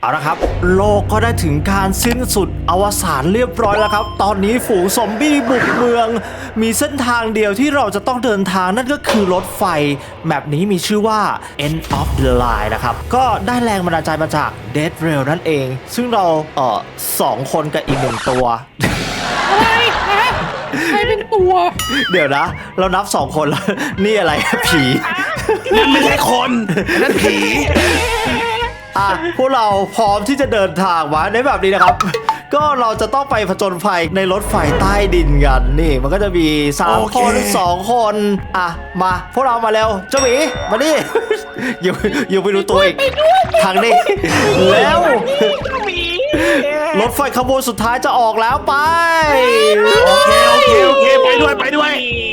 เอาละครับโลกก็ได้ถึงการสิ้นสุดอวสานเรียบร้อยแล้วครับตอนนี้ฝูงซอมบี้บุกเมืองมีเส้นทางเดียวที่เราจะต้องเดินทางนั่นก็คือรถไฟแบบนี้มีชื่อว่า End of the Line นะครับก็ได้แรงบันดาลใจมาจาก Dead Rail นั่นเองซึ่งเรา2 คนกับอีก1 ตัวอะไรนะใครเป็นตัวเดี๋ยวนะเรานับ2 คนแล้วนี่อะไรผีนั่นไม่ใช่คนนั่นผีพวกเราพร้อมที่จะเดินทางมาในแบบนี้นะครับ ก็เราจะต้องไปผจญภัยในรถไฟใต้ดินกันนี่มันก็จะมี3 คน2 คนมาพวกเรามาเร็วเจ้าหมีมาดิ อยู่ไปดูตัวอีกทางนี้แล้วรถไฟขบวนสุดท้ายจะออกแล้วไปโอเคไปด้วย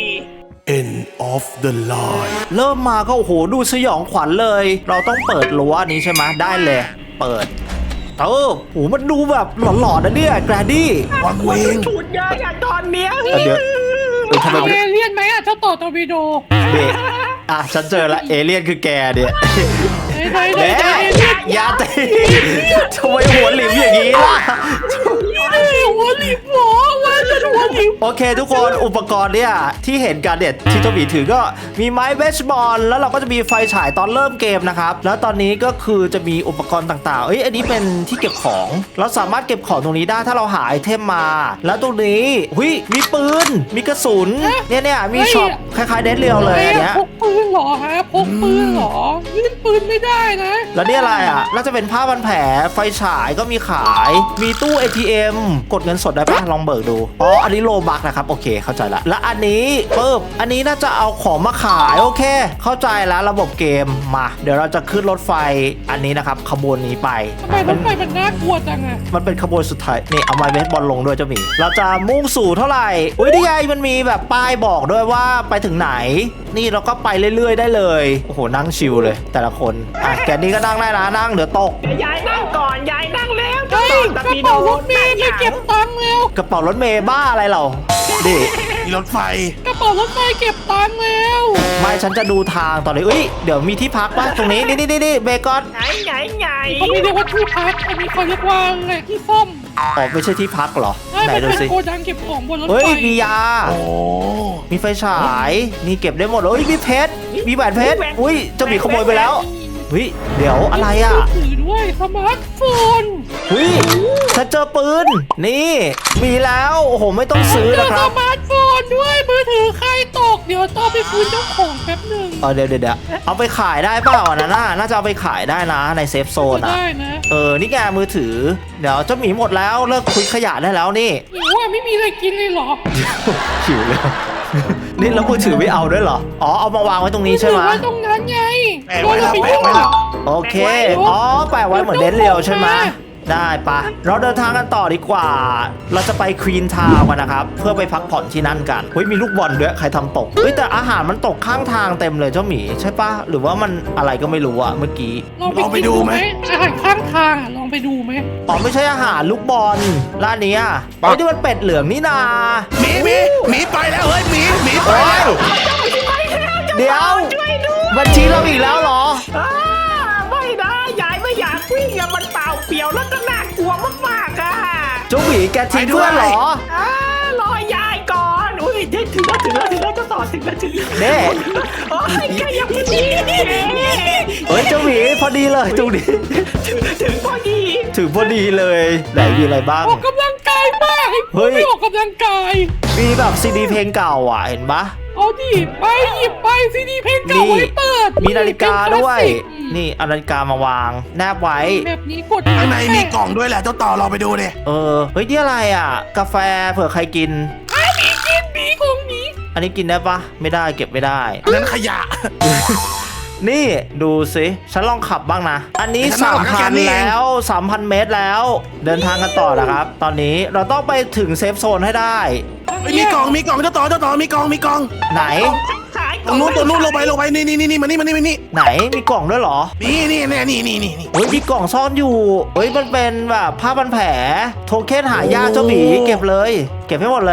End of the line เริ่มมาก็โอ้โหดูสยองขวัญเลยเราต้องเปิดรั้วนี้ใช่ไหมได้เลยเปิดโอ้มันดูแบบหลอนๆนะเนี่ยแกรนดี้วังเวงฉุดยาอย่างตอนเนี้ยเดี๋ยวทำไมเอเลี่ยนไหมเจ้าต่อตอร์ปิโดเด็กฉันเจอละเอเลี่ยนคือแกเนี่ยแหมอย่าตีทำไมหัวหลิมอย่างนี้ล่ะหัวหลิมหัวหลิมโอเคทุกคนอุปกรณ์เนี่ยที่เห็นกันเนี่ยที่เจ้าหมีถือก็มีไม้เบสบอลแล้วเราก็จะมีไฟฉายตอนเริ่มเกมนะครับแล้วตอนนี้ก็คือจะมีอุปกรณ์ต่างๆอันนี้เป็นที่เก็บของเราสามารถเก็บของตรงนี้ได้ถ้าเราหาไอเทมมาแล้วตรงนี้มีปืนมีกระสุนเนี่ยมีช็อปคล้ายๆเดนเรียวเลยอันเนี้ยพกปืนเหรอฮะพกปืนเหรอยื่นปืนไม่ได้นะแล้วนี่อะไรน่าจะเป็นผ้าพันแผลไฟฉายก็มีขายมีตู้ ATM กดเงินสดได้ปะลองเบิกดูอันนี้โลบักนะครับโอเคเข้าใจละและอันนี้อันนี้น่าจะเอาของมาขายโอเคเข้าใจแล้วระบบเกมมาเดี๋ยวเราจะขึ้นรถไฟอันนี้นะครับขบวนนี้ไปทำไมรถไฟมันน่ากลัวจังอะมันเป็นขบวนสุดท้ายนี่เอาไม้เบสบอลลงด้วยเจ้าหมีเราจะมุ่งสู่เท่าไหร่นี่ไงมันมีแบบป้ายบอกด้วยว่าไปถึงไหนนี่เราก็ไปเรื่อยๆได้เลยโอ้โหนั่งชิลเลยแต่ละคนแกนี่ก็นั่งได้นะนั่งเดี๋ยวตกยายนั่งก่อนยายนั่งแล้วกระเป๋ารถเมย์ไปเก็บตังค์แล้วกระเป๋ารถเมย์บ้าอะไรเราดิมีรถไฟกระเป๋ารถไฟเก็บตังค์แล้วไม่ฉันจะดูทางตอนนี้เดี๋ยวมีที่พักป่ะตรงนี้นี่เบคอนไหนเขาไม่เรียกว่าที่พักอันนี้เขาเรียกว่าไงที่ซ่อมไม่ใช่ที่พักเหรอไหนดูสิโกดังเก็บของบนรถไฟมียามีไฟฉายนี่เก็บได้หมดมีเพชรมีแหวนเพชรจะมีขโมยไปแล้วเดี๋ยวอะไรถือด้วยสมาร์ทโฟนฉันเจอปืนนี่มีแล้วโอ้โหไม่ต้องซื้อนะครับสมาร์ทโฟนด้วยมือถือใครตกเดี๋ยวต้องไปคืนเจ้าของแป๊บนึงเดี๋ยวเอาไปขายได้เปล่าน่าจะเอาไปขายได้นะในเซฟโซนได้นะนี่แกมือถือเดี๋ยวเจ้าหมีหมดแล้วเลิกคุยขยะได้แล้วนี่หิวไม่มีอะไรกินเลยเหรอหิวเลยนี่แล้วมือถือไม่เอาด้วยเหรอเอามาวางไว้ตรงนี้ใช่ไหมไว้ตรงนั้นไงแปะไว้แล้วโอเคแปะไว้เหมือนเดนเรียวใช่ไหมได้ปะเราเดินทางกันต่อดีกว่าเราจะไปควีนทาวน์กันนะครับเพื่อไปพักผ่อนที่นั่นกันมีลูกบอลด้วยใครทำตกแต่อาหารมันตกข้างทางเต็มเลยเจ้าหมีใช่ปะหรือว่ามันอะไรก็ไม่รู้อะเมื่อกี้ลองไปดูไหมอาหารข้างทางลองไปดูไหมไม่ใช่อาหารลูกบอลร้านนี้นี่มันเป็ดเหลืองนี่นาหมีไปแล้วเฮ้ยหมีไปแล้วเดี๋ยวบัญชีเราอีกแล้วเหรอไม่ได้ยายไม่อยากวิ่งมันเปล่าเปลี่ยวแล้วก็น่ากลัวมากๆเจ้าหมีแกทิ้งเพื่อนเหรอรอยายก่อนถึงแล้วจะต่อถึงแล้วแกยังไม่ดีเจ้าหมีพอดีเลยตรงนี้ถึงพอดีเลยไหนมีอะไรบ้างออกกำลังกายบ้างไม่ออกกำลังกายมีแบบซีดีเพลงเก่าเห็นปะเอาดิไปหยิบไปซีดีเพลงเก่าไว้เปิดมีนาฬิกาด้วยนี่เอานาฬิกามาวางแนบไว้แบบนี้กดข้างในมีกล่องด้วยแหละเจ้าต่อเราไปดูดินี่อะไรกาแฟเผื่อใครกินมีของนี้อันนี้กินได้ปะไม่ได้เก็บไม่ได้อันนั้นขยะนี่ดูสิฉันลองขับบ้างนะอันนี้ 3,000 แล้ว 3,000 เมตรแล้วเดินทางกันต่อนะครับตอนนี้เราต้องไปถึงเซฟโซนให้ได้มีกล่องเจ้าต่อมีกล่องไหนตรงนู้นลงไปนี่มานี่ไหนมีกล่องด้วยเหรอนี่มีกล่องซ่อนอยู่มันเป็นแบบผ้าพันแผลโทเค็นหายากเจ้าหมีเก็บเลยเก็บให้หมดเลย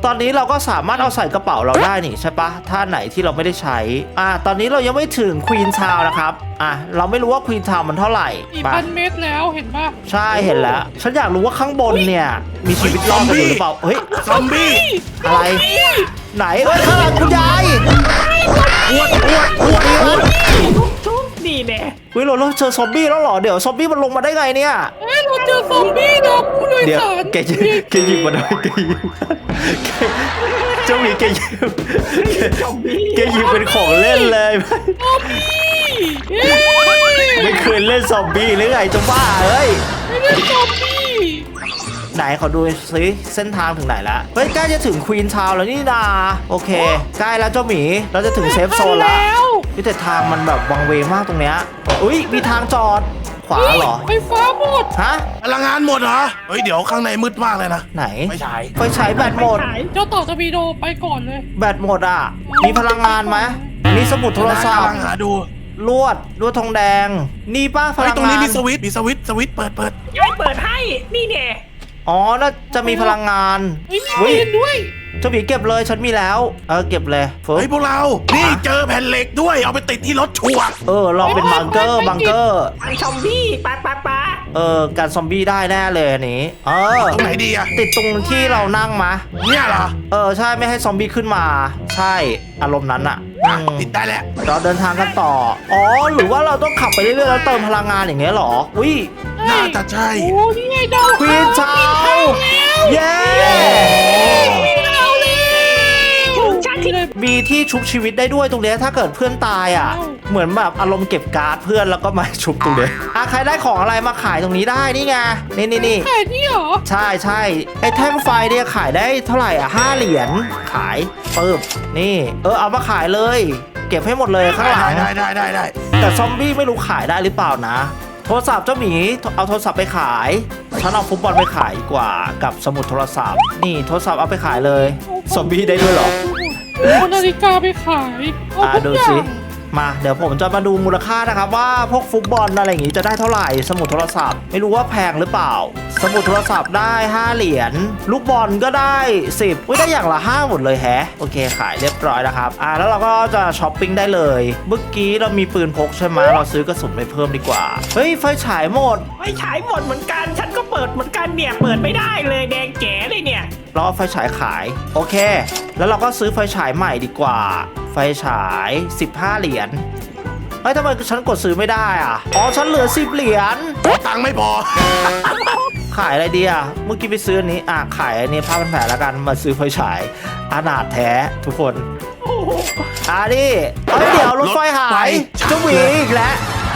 ตอนนี้เราก็สามารถเอาใส่กระเป๋าเราได้นี่ใช่ปะถ้าไหนที่เราไม่ได้ใช้ตอนนี้เรายังไม่ถึงควีนทาวน์นะครับเราไม่รู้ว่าควีนทาวน์มันเท่าไหร่ 4,000 เมตรแล้วเห็นปะใช่เห็นแล้วฉันอยากรู้ว่าข้างบนเนี่ยมีชีวิตรอดกันอยู่หรือเปล่าเฮ้ยซอมบี้อะไรไหนข้างหลังคุณยายอ้วนชุบนี่แน่เฮ้ยเราเจอซอมบี้แล้วเหรอเดี๋ยวซอมบี้มันลงมาได้ไงเนี่ยเราเจอซอมบี้นะผู้โดยเดี๋ยวสารแกหยิบมาด้วยแกหยิบเจ้าหมีแกหยิบเป็นของเล่นเลยซอมบี้เฮ้ยไม่เคยเล่นซอมบี้หรือไงจะบ้าเฮ้ยไม่เล่นซอมบี้ไหนขอดูซิเส้นทางถึงไหนแล้วเฮ้ยใกล้จะถึงควีนทาวน์แล้วนี่นาโอเคใกล้แล้วเจ้าหมีเราจะถึงเซฟโซนแล้วนี่แต่ทางมันแบบวังเวงมากตรงเนี้ยอุ้ยมีทางจอดขวาเหรอไฟฟ้าหมดฮะพลังงานหมดเหรอเฮ้ยเดี๋ยวข้างในมืดมากเลยนะไหนไม่ใช่ไฟฉายแบตหมดเจ้าต่อตะวีโดไปก่อนเลยแบตหมดอ่ะมีพลังงานไหมมีสมุดโทรศัพกำท์ลังหาดูลวดทองแดงนี่ป้าพเฮ้ยลังตรงงานี้นมีสวิตช์เปิดยายเปิดให้นี่แน่อ๋อน่าจะมีพลังงานเฮ้ยมีเรียนด้วยเจ้าหมีเก็บเลยฉันมีแล้วเก็บเลยฟึ๊บเฮ้ยพวกเรา นี่เจอแผ่นเหล็กด้วยเอาไปติดที่รถชัวร์ลองเป็นบังเกอร์อันชอมบี้ปะการซอมบี้ได้แน่เลยอันนี้ตรงไหนดีอะติดตรงที่เรานั่งมาเนี่ยเหรอใช่ไม่ให้ซอมบี้ขึ้นมา ใช่อารมณ์นั้นอะติดได้แล้วเราเดินทางกันต่อหรือว่าเราต้องขับไปเรื่อยๆแล้วเติมพลังงานอย่างเงี้ยเหรออุ้ยน่าจะใช่โอ้นี่ไงดาวควีนชาวเย้ดาวเลยถึงชั้นที่มีที่ชุบชีวิตได้ด้วยตรงเนี้ยถ้าเกิดเพื่อนตายอ่ะ เหมือนแบบอารมณ์เก็บการ์ดเพื่อนแล้วก็มาชุบตรงเนี้ยใครได้ของอะไรมาขายตรงนี้ได้นี่ไงนี่ไข่นี่เหรอใช่ไอ้แท่งไฟเนี่ยขายได้เท่าไหร่5 เหรียญขายปึ๊บนี่เอามาขายเลย เก็บให้หมดเลยข้างหลังได้แต่ซอมบี้ไม่รู้ขายได้หรือเปล่านะโทรศัพท์เจ้าหมีเอาโทรศัพท์ไปขายฉันเอาฟุตบอลไปขายดีกว่ากับสมุดโทรศัพท์นี่โทรศัพท์เอาไปขายเลยซอมบี้ได้ด้วยเหรอเอานาฬิกาไปขายเอาทุกดูอย่าสิงมาเดี๋ยวผมจะมาดูมูลค่านะครับว่าพวกฟุตบอลอะไรอย่างงี้จะได้เท่าไหร่สมุดโทรศัพท์ไม่รู้ว่าแพงหรือเปล่า สมุดโทรศัพท์ได้5 เหรียญลูกบอลก็ได้10ได้อย่างละ5หมดเลยแฮะโอเคขายเรียบร้อยนะครับแล้วเราก็จะช้อปปิ้งได้เลยเมื่อกี้เรามีปืนพกใช่ไหมเราซื้อกระสุนไปเพิ่มดีกว่าเฮ้ยไฟฉายหมดไม่ฉายหมดเหมือนกันฉันก็เปิดเหมือนกันเนี่ยเปิดไม่ได้เลยแดงแจ๋เลยเนี่ยเราเอาไฟฉายขายโอเค แล้วเราก็ซื้อไฟฉายใหม่ดีกว่า ไฟฉาย15 เหรียญเฮ้ยทำไมฉันกดซื้อไม่ได้ฉันเหลือ10 เหรียญตังค์ไม่พอขายอะไรดีเมื่อกี้ไปซื้ออันนี้ขายอันนี้ผ้าพันแผลแล้วกันมาซื้อไฟฉายอนาถแท้ทุกคนโอ้โหนี่เดี๋ยวรถไฟหายเจ้าหวีอีกแล้ว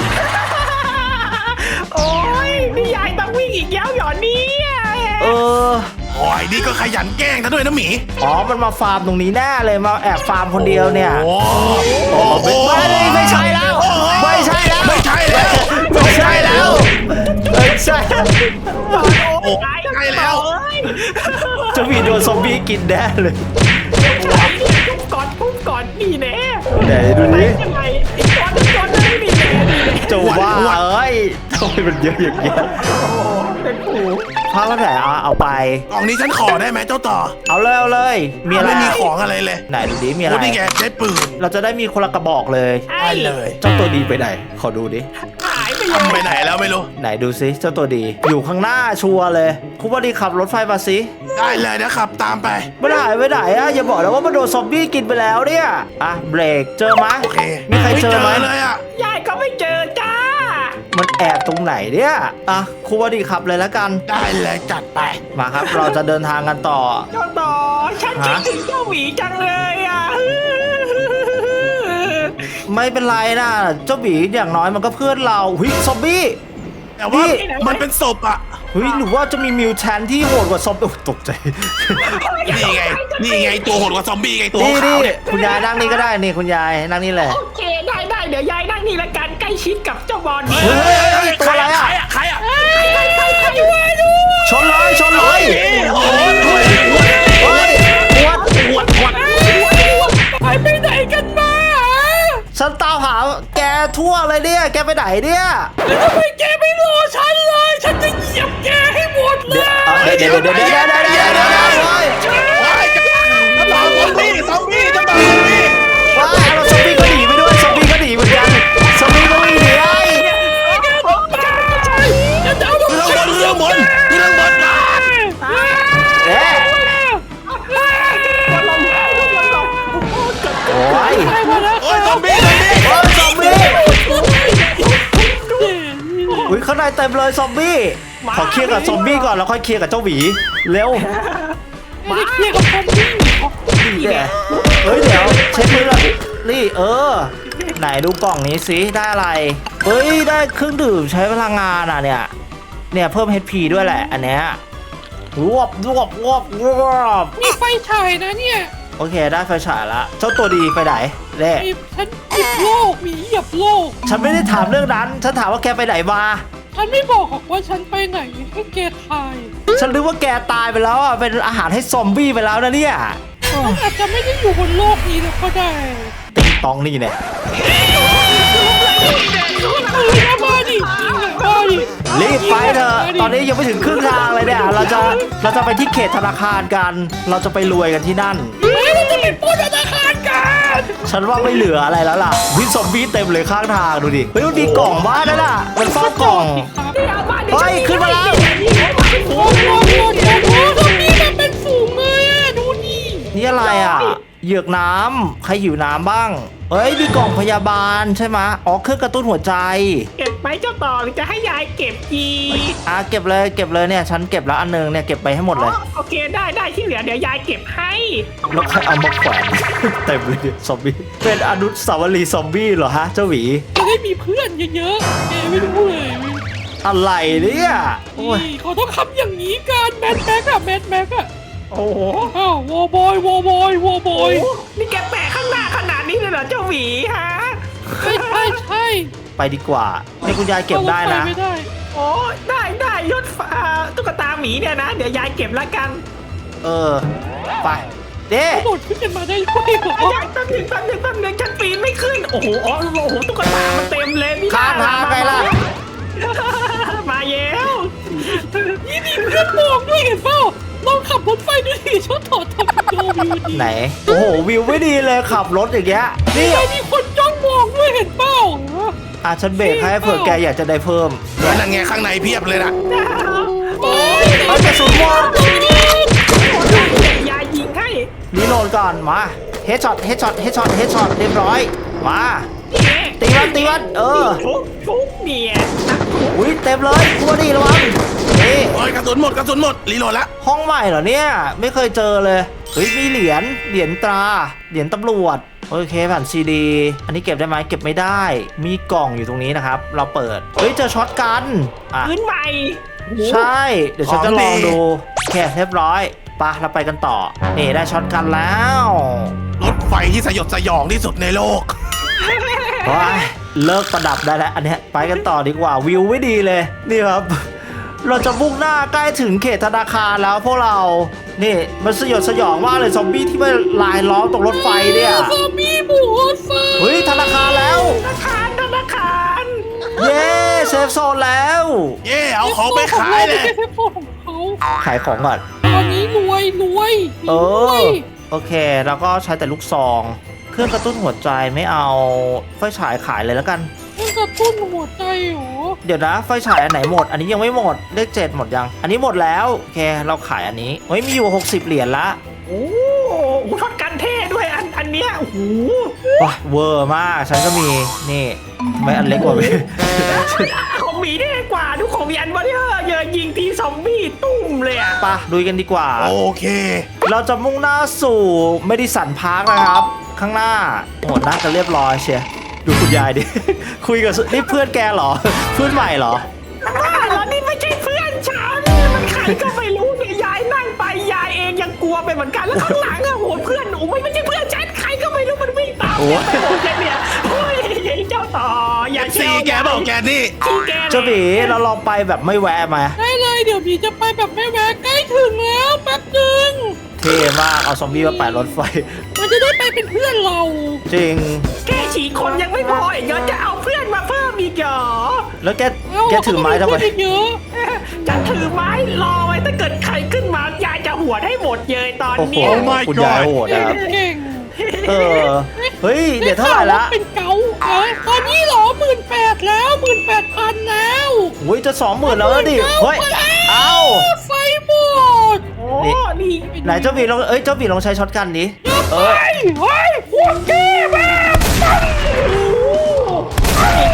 โอ้ยนี่ยายต้องวิ่งอีกแล้วเหรอเนี่ยโอ้ยนี่ก็ขยันแกล้งซะด้วยนะหมีมันมาฟาร์มตรงนี้แน่เลยมาแอบฟาร์มคนเดียวเนี่ยโอ้โหไม่ใช่แล้วไม่ใช่แล้วไม่ใช่แล้วไม่ใช่แล้วไม่ใช่โอ้ใช่แล้วเจ้าหวีโดนซอมบี้กินแน่เลยปุ๊บก่อนนี่แน่ไหนดูดิยังไงอีกก่อนนี่แน่นี่แน่จะว่าทำไมมันเยอะอย่างเงี้ยเป็นผูผ้าพันแผลเอาไปกล่องนี้ฉันขอได้ไหมเจ้าต่อเอาเลยมีอะไรไม่มีของอะไรเลยไหนดูดิมีอะไรโอ้นี่ไงได้ปืนเราจะได้มีคนละกระบอกเลยได้เลยเจ้าตัวดีไปไหนขอดูดิหายไปทำไปไหนแล้วไม่รู้ไหนดูซิเจ้าตัวดี อยู่ข้างหน้าชัวร์เลยคุณว่าดีขับรถไฟมาสิได้เลยนะครับตามไปไม่ได้ไปไหนอย่าบอกนะว่ามันโดนซอมบี้กินไปแล้วเนี่ยเบรกเจอไหมโอเคมีใครเจอไหมเลยอ่ะยายก็ไม่เจอจ้ามันแอบตรงไหนเนี่ยคุณว่าดีขับเลยแล้วกันได้เลยจัดไปมาครับ เราจะเดินทางกันต่อเจ้าต่อฉันคิดถึงเจ้าหมีจังเลยอ่ะไม่เป็นไรนะเจ้าหมีอย่างน้อยมันก็เพื่อนเราหุยซอมบี้แต่ว่านี่มันเป็นศพอ่ะหุยหรือว่าจะมีมิวแทนที่โหดกว่าซอมบี้ตกใจนี่ไงตัวโหดกว่าซอมบี้ไงตัวนี่ขาวเนี่ยคุณยายนั่งนี่ก็ได้นี่คุณยายนั่งนี่แหละโอเคได้เดี๋ยวยายนั่งนี่ละกันใกล้ชิดกับเจ้าบอลเฮ้ยตัวอะไรใครอ่ะชนเลยโอ้ยเฮ้ยปวดไปไหนกันมาฉันตามหาแกทั่วเลยเนี่ยแกไปไหนเนี่ยแล้วทำไมแกไม่รอฉันเลย ฉันจะเหยียบแกให้หมดเลยเดี๋ยวเต็มเลยซอมบี้ขอเคลียร์กับซอมบี้ก่อนแล้วค่อยเคลียร์กับเจ้าหวีเร็วไม่ได้เคลียร์กับคนที่เนี่ยเฮ้ยเดี๋ยวเช็คมือละนี่ไหนดูกล่องนี้สิได้อะไรเฮ้ยได้เครื่องดื่มใช้พลังงานอ่ะเนี่ยเพิ่ม HP ด้วยแหละอันเนี้ยรวบมีไฟฉายนะเนี่ยโอเคได้ไฟฉายละเจ้าตัวดีไปไหนเล่ฉันเหยียบโลกมีเหยียบโลกฉันไม่ได้ถามเรื่องนั้นฉันถามว่าแกไปไหนมาฉันไม่บอกหรอกว่าฉันไปไหนให้แกทายฉันรู้ว่าแกตายไปแล้วอ่ะเป็นอาหารให้ซอมบี้ไปแล้วนะเนี่ยฉันอาจจะไม่ได้อยู่บนโลกนี้แล้วก็ได้ติ๊งตองนี่เนี่ยมาดิมาดิรีบไปเถอะตอนนี้ยังไม่ถึงครึ่งทางเลยเนี่ยเราจะไปที่เขตธนาคารกัน เราจะไปรวยกันที่นั่นเราจะไปปล้นธนาคารกันฉันว่าไม่เหลืออะไรแล้วล่ะวิซอมบี้เต็มเลยข้างทางดูดิเฮ้ยมันมีกล่องบ้านนั่นน่ะมันเฝ้ากล่อง เฮ้ยขึ้นมาแล้วโอ้โหตรงนี้มันเป็นฝูงเลยอ่ะดูนี่นี่อะไรอ่ะเหยือกน้ำใครหิวน้ำบ้างเฮ้ยมีกล่องพยาบาลใช่ไหมอ๋อเครื่องกระตุ้นหัวใจเก็บไหมเจ้าต่อหรือจะให้ยายเก็บอีเก็บเลยเนี่ยฉันเก็บแล้วอันนึงเนี่ยเก็บไปให้หมดเลยโอเคได้ที่เหลือเดี๋ยวยายเก็บให้แล้วใครเอามาแขวน เต็มเลยซอมบี้เป็นอนุสาวรีย์ซอมบี้เหรอฮะเจ้าหวีจะได้มีเพื่อนเยอะๆแกไม่รู้เลยอะไรเนี่ยโอ้ยนี่เขาต้องทำอย่างนี้กันแมทแม็กอะโอ้โหอ้าววอบอยวอบอยนี่แกแปะข้างหน้าขนาดนี้เลยเหรอเจ้าหวีฮะใช่ไปดีกว่านี่คุณยายเก็บได้นะไม่ได้โอ้ได้ยศตุ๊กตาหมีเนี่ยนะเดี๋ยวยายเก็บละกันไปเด้เขาโดดขึ้นกันมาได้ด้วยเหรอยายแป๊บหนึงฉันปีนไม่ขึ้นโอ้โหตุ๊กตามันเต็มเลยนี่ข้างทางไงล่ะมาเย้วนี่มีเพื่อนมองด้วยเห็นเปล่าลองขับรถไฟดูดิชอบถอดทำวิวดีไหนโอ้โหวิวไม่ดีเลยขับรถอย่างเงี้ยนี่นี่มีคนจ้องมองด้วยเห็นเปล่าฉันเบรกให้เผื่อแกอยากจะได้เพิ่มนั่นไงข้างในเพียบเลยนะโอ้ยไอ้กระสุนหมดยายยิงให้รีโหลดก่อนมาเฮดช็อตเรียบร้อยมาตีวันทุกเนี่ยอุ้ยเต็มเลยกลัวดิระวังนี่โอ้ยกระสุนหมดรีโหลดละห้องใหม่เหรอเนี่ยไม่เคยเจอเลยเฮ้ยมีเหรียญตราเหรียญตำรวจโอเคแผ่นซีดีอันนี้เก็บได้ไหมเก็บไม่ได้มีกล่องอยู่ตรงนี้นะครับเราเปิดเฮ้ยเจอช็อตกันพื้นใหม่ใช่เดี๋ยวฉันจะลองดูโอเคเรียบร้อยไปเราไปกันต่อนี่ได้ช็อตกันแล้วรถไฟที่สยดสยองที่สุดในโลกว้ายเลิกประดับได้แล้วอันเนี้ยไปกันต่อดีกว่าวิวไม่ดีเลยนี่ครับ เราจะมุ่งหน้าใกล้ถึงเขตธนาคารแล้วพวกเรานี่มันสยดสยองมากเลยซอมบี้ที่มาลายล้อมตรงรถไฟเนี่ยซอมบี้บุกรถไฟเฮ้ยธนาคารแล้วธนาคารเย้เซฟโซนแล้วเย่เอาของไปขายเลยเทปโฟของเขาขายของก่อนตอนนี้รวยโอเคแล้วก็ใช้แต่ลูกซองเครื่องกระตุ้นหัวใจไม่เอาไฟฉายขายเลยแล้วกันมันกระตุ้นหัวใจเหรอเดี๋ยวนะไฟฉายอันไหนหมด อันนี้ยังไม่หมดเลข7หมดยัง อันนี้หมดแล้วโอเคเราขายอันนี้เฮ้ยมีอยู่60เหรียญละโอ้ทอดกันเท่ด้วยอันเนี้ยโอ้โหว้าเวอร์มากฉันก็มีนี่ทำไมอันเล็กกว่าของหมีได้กว่าดูของหมีอันวะเนี่ยเยอะยิงทีซอมบี้ตุ้มเลยอ่ะปะดูกันดีกว่าโอเคเราจะมุ่งหน้าสู่เมดิสันพาร์คนะครับ ข้างหน้าโอ้น่าจะเรียบร้อยเชียดูคุณยายดิ คุยกับนี่เพื่อนแกเหรอ เพื่อนใหม่เหรอแล้วนี่ไม่ใช่เพื่อนฉันมันใครก็ไม่รู้เนี่ยยายนั่งไปยายเองยังกลัวไปเหมือนกันแล้วข้างหลังอะโหเพื่อนหนูไม่ใช่เพื่อนฉันใครก็ไม่รู้มันวิ่งตามโอ้แกไปหมดเลยเนี่ยโอ้ยเจ้าต่ออย่าซีเชี่ยวแกบอกแกนี่ที่แกเจ้าหมีเราลองไปแบบไม่แวะมาได้เลยเดี๋ยวพี่จะไปแบบไม่แวะใกล้ถึงแล้วแป๊บนึงเท่มากเอาซอมบี้มาแปะรถไฟมันจะได้ไปเป็นเพื่อนเราจริงแค่ฉีกคนยังไม่พออีกเดี๋ยวจะเอาเพื่อนมาเพิ่มอีกเหรอแล้วแกถือไม้ทำไมเยอะจะถือไม้รอไว้ถ้าเกิดใครขึ้นมายายจะหัวดให้หมดเลยตอนโอ้โหเนี้ย my คุณยายโหดนะครับเก่งเฮ้ยเดี๋ยวเท่าไหร่ละเป็นเกาตอนนี้เหรอ18,000แล้ว18,000แล้วอุ้ยจะ20,000แล้วดิเฮ้ยเอ้าไฟหมดโอ้นี่ไหนเจ้าหมีลองเจ้าหมีลองใช้ช็อตกันดิเฮ้ยพวกแกแบบนี่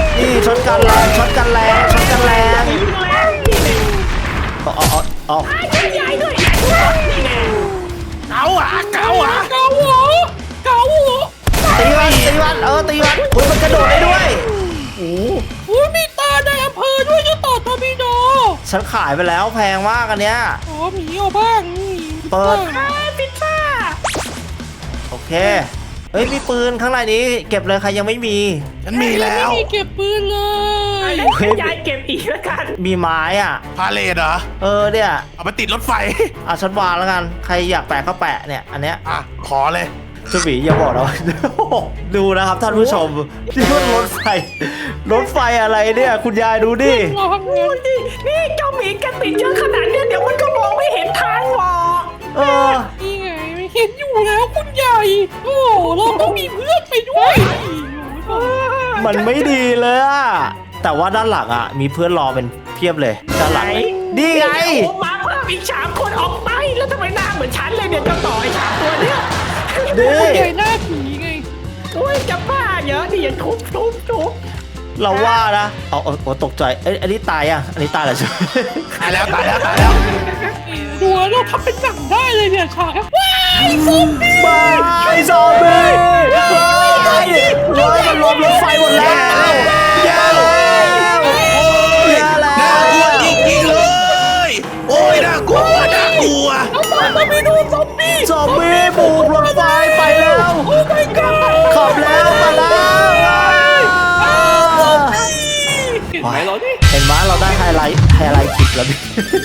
ช็อตกันแรงช็อตกันแรงช็อตกันแรงยิงแรงนี่แน่เอาไอ้เจ้ายายด้วยยายด้วยนี่แน่เก๋าอ่ะเก๋าอ่ะเกาหัวเกาหัวตีมันตีมันตีมันคุณมันกระโดดได้ด้วยอุ้ยมีตาในอำเภอด้วยเจ้าต่อทอร์ปิโดฉันขายไปแล้วแพงมากอันเนี้ยอ๋อหมีเอาบ้างนี่เปิดไอ้พิซซ่าโอเคเฮ้ยมีปืนข้างในนี้เก็บเลยใครยังไม่มีฉันมีแล้วไม่มีเก็บปืนเลยให้ยายเก็บอีกแล้วกันมีไม้อ่ะพาเลทเหรอเนี่ยเอาไปติดรถไฟฉันวางแล้วกันใครอยากแปะก็แปะเนี่ยอันเนี้ยอ่ะขอเลยเจ้าหมีอย่าบอกนะ ดูนะครับท่านผู้ชมนี่มันรถไฟรถไฟอะไรเนี่ยคุณยายดูดิรอทำงานนี่เจ้าหมีกันติดเยอะขนาดเนี้ยเดี๋ยวมันก็มองไม่เห็นทางหรอกเออนี่ไงไม่เห็นอยู่แล้วคุณใหญ่โอ้เราต้องมีเพื่อนไปด้วยโอ้ยมันไม่ดีเลยอะแต่ว่าด้านหลังอะมีเพื่อนรอเป็นเพียบเลยด้านหลังนี่ไงโอ้มาเพิ่มอีก3 คนออกไปแล้วทำไมหน้าเหมือนฉันเลยเนี่ยเจ้าต่อไอ้3 ตัวเนี่ยนี่ใหญ่หน้าผีไงโอ้ยจะบ้าเยอะดิอย่าทุบเราว่านะเอาตกใจอันนี้ตายอ่ะอันนี้ตายแล้วใช่ไหมตายแล้วตายแล้วตายแล้วดูแล้วเราทำเป็นหนังได้เลยเนี่ยฉากครับว้ายซอมบี้บายซอมบี้มันล้มรถไฟหมดแล้วแย่แล้วแย่แล้น่ากลัววจริงๆเลย โอ้ยน่ากลัวน่ากลัวเราไปดูซอมบี้ซอมบี้บุกรถไฟไปแล้วโอ้ my god ขับแล้วมาแล้วเห็นไหมเราดิเห็นไหมเราได้ไฮไลท์คลิปแล้วดิ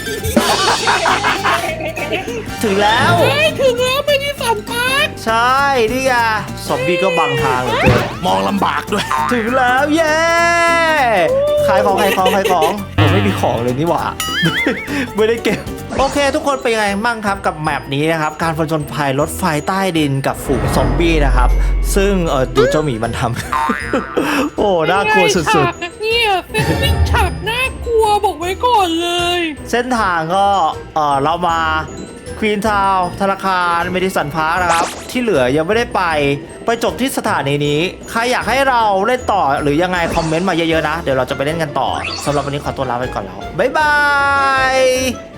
ถึงแล้วเฮ้ยถึงแล้วไปที่สันปาร์คใช่นี่ไงซอมบี้ก็บังทางเหลือเกินมองลำบากด้วยถึงแล้วเย้ขายของผมไม่มีของเลยนี่หว่า ไม่ได้เก็บโอเค ทุกคนเป็นยังไงบ้างครับกับแมปนี้นะครับการผจญภัยรถไฟใต้ดินกับฝูงซอมบี้นะครับซึ่งดูเจ้าหมีมันทำ โอ้น่ากลัวสุดฉากเนี่ยเซตติ้งฉากน่ากลัวบอกไว้ก่อนเลยๆเส้นทางก็เรามาควีนทาวธนาคารเมดิสันพาร์คนะครับที่เหลือยังไม่ได้ไปจบที่สถานีนี้ใครอยากให้เราเล่นต่อหรือยังไงคอมเมนต์มาเยอะๆนะเดี๋ยวเราจะไปเล่นกันต่อสำหรับวันนี้ขอตัวลาไปก่อนแล้วบ๊ายบาย